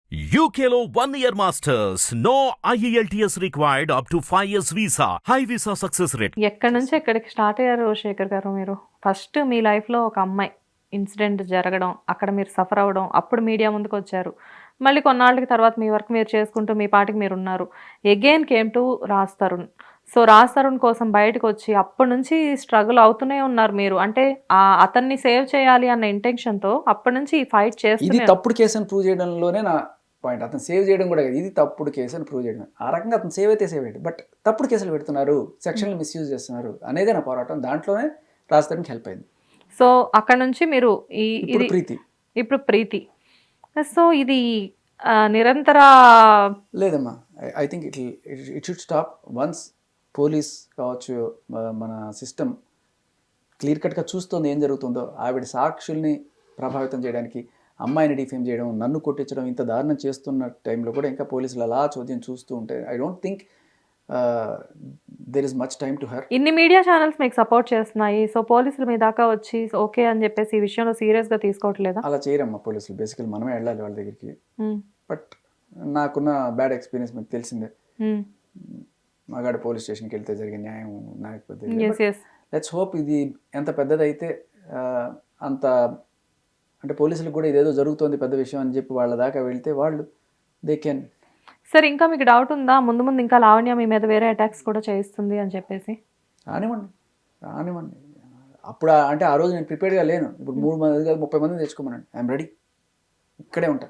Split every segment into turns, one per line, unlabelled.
UKLO 1 year masters. No IELTS required up to 5 years visa. High visa success rate.
ఎక్కడి నుంచి ఎక్కడికి start అయ్యారు శేఖర్ గారు మీరు? ఫస్ట్ మీ లైఫ్లో ఒక అమ్మాయి ఇన్సిడెంట్ జరగడం, అక్కడ మీరు సఫర్ అవ్వడం, అప్పుడు మీడియా ముందుకు వచ్చారు. మళ్ళీ కొన్నాళ్ళకి తర్వాత మీ వర్క్ మీరు చేసుకుంటూ మీ పాటికి మీరు ఉన్నారు. Again came to Raj Tarun. So Raj Tarun కోసం బయటకు వచ్చి అప్పటి నుంచి స్ట్రగుల్ అవుతూనే ఉన్నారు మీరు. అంటే అతన్ని సేవ్ చేయాలి అన్న ఇంటెన్షన్తో అప్పటి నుంచి ఈ ఫైట్
ఇది
చేస్తూనే
తప్పుడు కేసు అని ప్రూవ్ చేయడంలోనే నా పాయింట్. అతను సేవ్ చేయడం కూడా కాదు, ఇది తప్పుడు కేసు అని ప్రూవ్ చేయడం. ఆ రకంగా అతను సేవ్ అయితే సేవ్ అయ్యాడు, బట్ తప్పుడు కేసులు పెడుతున్నారు, సెక్షన్లు మిస్యూజ్ చేస్తున్నారు అనేదే నా పోరాటం. దాంట్లోనే రాజ్ తరుణ్కి హెల్ప్ అయింది.
సో అక్కడ నుంచి మీరు
ఇప్పుడు ప్రీతి
ఇప్పుడు ప్రీతి. సో ఇది నిరంతర
లేదమ్మా. I think it should stop once police కావచ్చు, మన సిస్టమ్ క్లియర్ కట్గా చూస్తుంది ఏం జరుగుతుందో. ఆవిడ సాక్షుల్ని ప్రభావితం చేయడానికి, అమ్మాయిని డిఫేమ్ చేయడం, నన్ను కొట్టించడం, ఇంత దారుణం చేస్తున్న టైంలో కూడా ఇంకా పోలీసులు అలా చోద్యం చూస్తూ ఉంటే I don't think there is much time to her.
ఇన్ని మీడియా ఛానల్స్ మీకు సపోర్ట్ చేస్తున్నాయి. సో పోలీసులు మీ దాకా వచ్చి ఓకే అని చెప్పేసి ఈ విషయంలో సీరియస్గా తీసుకోవట్లేదా?
అలా చేయరమ్మా పోలీసులు. బేసికల్ మనమే వెళ్ళాలి వాళ్ళ దగ్గరికి. బట్ నాకున్న బ్యాడ్ ఎక్స్పీరియన్స్ మీకు తెలిసిందే. మగాడు పోలీస్ స్టేషన్కి వెళ్తే జరిగే న్యాయం నాకు లెట్స్ హోప్ ఇది ఎంత పెద్దదైతే అంత, అంటే పోలీసులకు కూడా ఇదేదో జరుగుతోంది పెద్ద విషయం అని చెప్పి వాళ్ళ దాకా వెళ్తే వాళ్ళు దే కెన్.
సార్ ఇంకా మీకు డౌట్ ఉందా ముందు ముందు ఇంకా లావణ్య మీ మీద వేరే అటాక్స్ కూడా చేయిస్తుంది అని చెప్పేసి?
రానివ్వండి. అప్పుడు అంటే ఆ రోజు నేను ప్రిపేర్డ్గా లేను. ఇప్పుడు 3 మంది కాదు 30 మందిని తెచ్చుకోమనండి, ఐఎమ్ రెడీ, ఇక్కడే ఉంటా.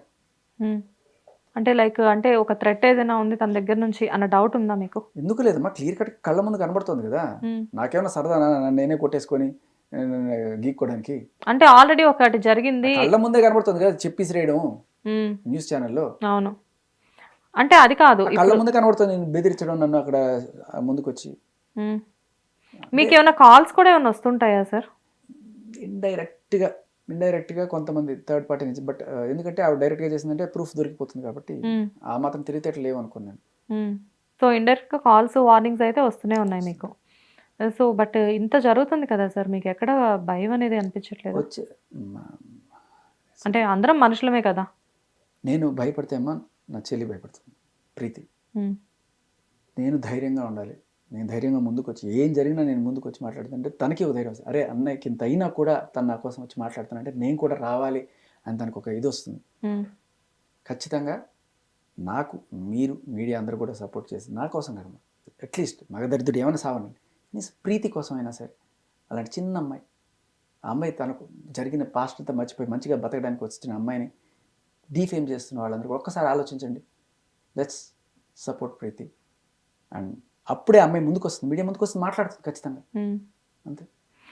అంటే లైక్ అంటే ఒక థ్రెట్ ఏదైనా ఉంది తన దగ్గర నుంచి అన్న డౌట్ ఉందా మీకు?
ఎందుకు లేదమ్మా, క్లియర్ కట్ కళ్ళ ముందు కనబడుతుంది కదా. నాకేమన్నా సరదా నేనే కొట్టేసుకొని గీక్కోవడానికి?
అంటే ఆల్రెడీ ఒకటి జరిగింది,
కళ్ళ ముందే కనబడుతుంది కదా చెప్పేసిరేయడం న్యూస్ ఛానల్లో.
అవును, అంటే అది కాదు,
కళ్ళ ముందే కనబడుతుంది నేను బెదిరించడం, నన్ను అక్కడ ముందుకు వచ్చి.
మీకు ఏమైనా కాల్స్ కూడా ఏమైనా వస్తుంటాయా సార్?
ఇండైరెక్ట్గా కొంతమంది థర్డ్ పార్టీ నుంచి. బట్ ఎందుకంటే ఆవిడ డైరెక్ట్గా చేసిందంటే ప్రూఫ్ దొరికిపోతుంది కాబట్టి ఆ మాత్రం తెలివితేటలు లేవనుకున్నాను.
సో ఇండైరెక్ట్గా కాల్స్ వార్నింగ్స్ అయితే వస్తూనే ఉన్నాయి మీకు. సో బట్ ఇంత జరుగుతుంది కదా సార్, మీకు ఎక్కడ భయం అనేది అనిపించట్లేదు?
వచ్చే
అంటే అందరం మనుషులమే కదా.
నేను భయపడితే అమ్మా నా చెల్లి భయపడుతుంది ప్రీతి. నేను ధైర్యంగా ఉండాలి. నేను ధైర్యంగా ముందుకు వచ్చి ఏం జరిగినా నేను ముందుకు వచ్చి మాట్లాడుతుంటే తనకి ఒక ధైర్యం వస్తుంది. అరే అన్నయ్యకి ఇంత అయినా కూడా తను నా కోసం వచ్చి మాట్లాడుతానంటే నేను కూడా రావాలి అని తనకు ఒక ఇది వస్తుంది. ఖచ్చితంగా నాకు మీరు మీడియా అందరూ కూడా సపోర్ట్ చేసి నా కోసం కదా, అట్లీస్ట్ మగదరిద్రుడు ఏమైనా సావనండి, ప్రీతి కోసమైనా సరే. అలాంటి చిన్న అమ్మాయి, ఆ అమ్మాయి తనకు జరిగిన పాస్ట్ అంతా మర్చిపోయి మంచిగా బతకడానికి వచ్చిన అమ్మాయిని డీఫేమ్ చేస్తున్న వాళ్ళందరూ ఒక్కసారి ఆలోచించండి. Let's support Preethi. అండ్ అప్పుడే అమ్మాయి ముందుకు వస్తుంది, మీడియా ముందుకు వస్తుంది, మాట్లాడుతుంది ఖచ్చితంగా. అంతే.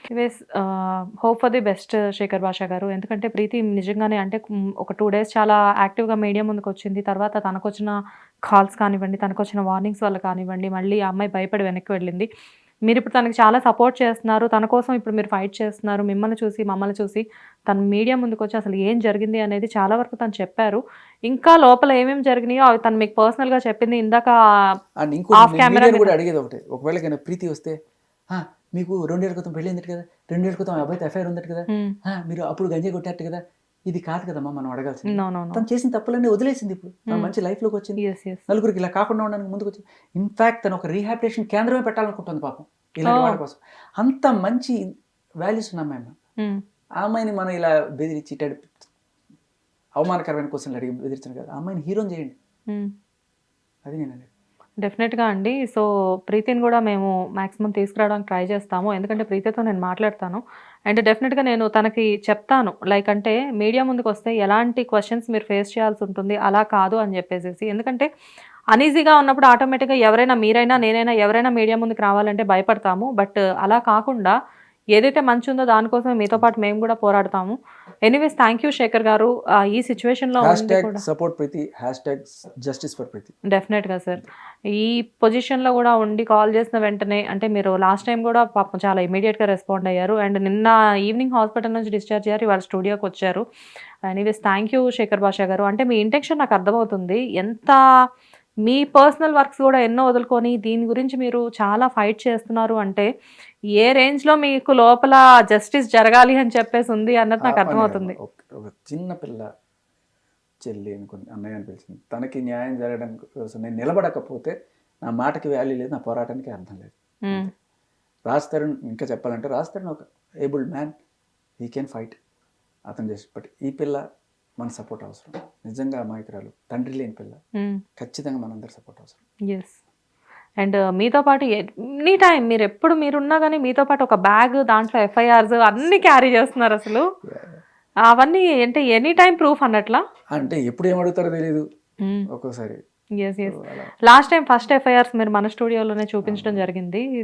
Hope for the best Shekhar Basha garu. ఎందుకంటే ప్రీతి నిజంగానే అంటే ఒక 2 days చాలా యాక్టివ్గా మీడియా ముందుకు వచ్చింది. తర్వాత తనకు వచ్చిన కాల్స్ కానివ్వండి, తనకు వచ్చిన వార్నింగ్స్ వల్ల కానివ్వండి, మళ్ళీ ఆ అమ్మాయి భయపడి వెనక్కి వెళ్ళింది. మీరు ఇప్పుడు తనకి చాలా సపోర్ట్ చేస్తున్నారు, తన కోసం ఇప్పుడు మీరు ఫైట్ చేస్తున్నారు. మిమ్మల్ని చూసి మమ్మల్ని చూసి తను మీడియా ముందుకు వచ్చి అసలు ఏం జరిగింది అనేది చాలా వరకు తను చెప్పారు. ఇంకా లోపల ఏమేమి జరిగినాయో అవి తను మీకు పర్సనల్గా చెప్పింది ఇందాక ఆఫ్ కెమెరా
కూడా అడిగేది ఒకటే. ఒకవేళ ప్రీతి వస్తే మీకు 2 ఏళ్ళ క్రితం పెళ్ళి ఉందట కదా, 2 ఏళ్ళ క్రితం అబ్బాయితో ఎఫ్ఐఆర్ ఉందట కదా, మీరు అప్పుడు గంజాయి కొట్టారట కదా, ఇది కాదు కదమ్మా మనం అడగాల్సింది. తను చేసిన తప్పులన్నీ వదిలేసింది, ఇప్పుడు తను మంచి లైఫ్లోకి వచ్చింది, నలుగురికి ఇలా కాకుండా ఉండడానికి ముందుకు వచ్చింది. ఇన్ఫాక్ట్ తను ఒక రీహాబిలిటేషన్ కేంద్రమే పెట్టాలనుకుంటుంది పాపం ఇలాంటి వాళ్ళ కోసం. అంత మంచి వాల్యూస్ ఉన్న అమ్మాయి. ఆ అమ్మాయిని మనం ఇలా బెదిరించి అవమానకరమైన క్వశ్చన్లు అడిగి బెదిరించాను కదా, ఆ అమ్మాయిని హీరోని చేయండి. అది నేను అనేది.
డెఫినెట్గా అండి. సో ప్రీతిని కూడా మేము మ్యాక్సిమం తీసుకురావడానికి ట్రై చేస్తాము. ఎందుకంటే ప్రీతితో నేను మాట్లాడతాను అండ్ డెఫినెట్గా నేను తనకి చెప్తాను, లైక్ అంటే మీడియా ముందుకు వస్తే ఎలాంటి క్వశ్చన్స్ మీరు ఫేస్ చేయాల్సి ఉంటుంది, అలా కాదు అని చెప్పేసి. ఎందుకంటే అనీజీగా ఉన్నప్పుడు ఆటోమేటిక్గా ఎవరైనా, మీరైనా నేనైనా ఎవరైనా మీడియా ముందుకు రావాలంటే భయపడతాము. బట్ అలా కాకుండా ఏదైతే మంచి ఉందో దానికోసం మీతో పాటు మేము కూడా పోరాడతాము. Anyways thank you Shekhar garu. ఈ సిచ్యువేషన్లో డెఫినెట్గా సార్ ఈ పొజిషన్లో కూడా ఉండి కాల్ చేసిన వెంటనే, అంటే మీరు లాస్ట్ టైం కూడా పాపం చాలా ఇమీడియట్గా రెస్పాండ్ అయ్యారు అండ్ నిన్న ఈవినింగ్ హాస్పిటల్ నుంచి డిశ్చార్జ్ అయ్యారు, ఇవాళ స్టూడియోకి వచ్చారు. Anyways thank you Shekhar Basha గారు. అంటే మీ ఇంటెన్షన్ నాకు అర్థమవుతుంది, ఎంత మీ పర్సనల్ వర్క్స్ కూడా ఎన్నో వదులుకొని దీని గురించి మీరు చాలా ఫైట్ చేస్తున్నారు అంటే ఏ రేంజ్లో మీకు లోపల జస్టిస్ జరగాలి అని చెప్పేసి ఉంది అన్నది నాకు అర్థమవుతుంది.
ఒక చిన్న పిల్ల చెల్లి అనుకుని అన్నయ్య అని పిలిచింది. తనకి న్యాయం జరగడం కోసం నేను నిలబడకపోతే నా మాటకి వాల్యూ లేదు, నా పోరాటానికి అర్థం లేదు. రాజ్ తరుణ్ ఇంకా చెప్పాలంటే రాజ్ తరుణ్ ఒక abled man, he can fight, అతను చేసి. బట్ ఈ పిల్ల మన సపోర్ట్ అవసరం. నిజంగా అమాయకురాలు, తండ్రి లేని పిల్ల, ఖచ్చితంగా మనందరి సపోర్ట్ అవసరం.
ఎస్. అండ్ మీతో పాటు ఎనీ టైం మీరు ఎప్పుడు మీరున్నా కానీ మీతో పాటు ఒక బ్యాగ్, దాంట్లో ఎఫ్ఐఆర్స్ అన్నీ క్యారీ చేస్తున్నారు అసలు. అవన్నీ అంటే ఎనీ టైం ప్రూఫ్ అన్నట్లా?
అంటే ఎప్పుడు ఏమడుగుతారో తెలియదు ఒక్కోసారి.
Yes yes. Last time first FIRs మీరు మన స్టూడియోలోనే చూపించడం జరిగింది.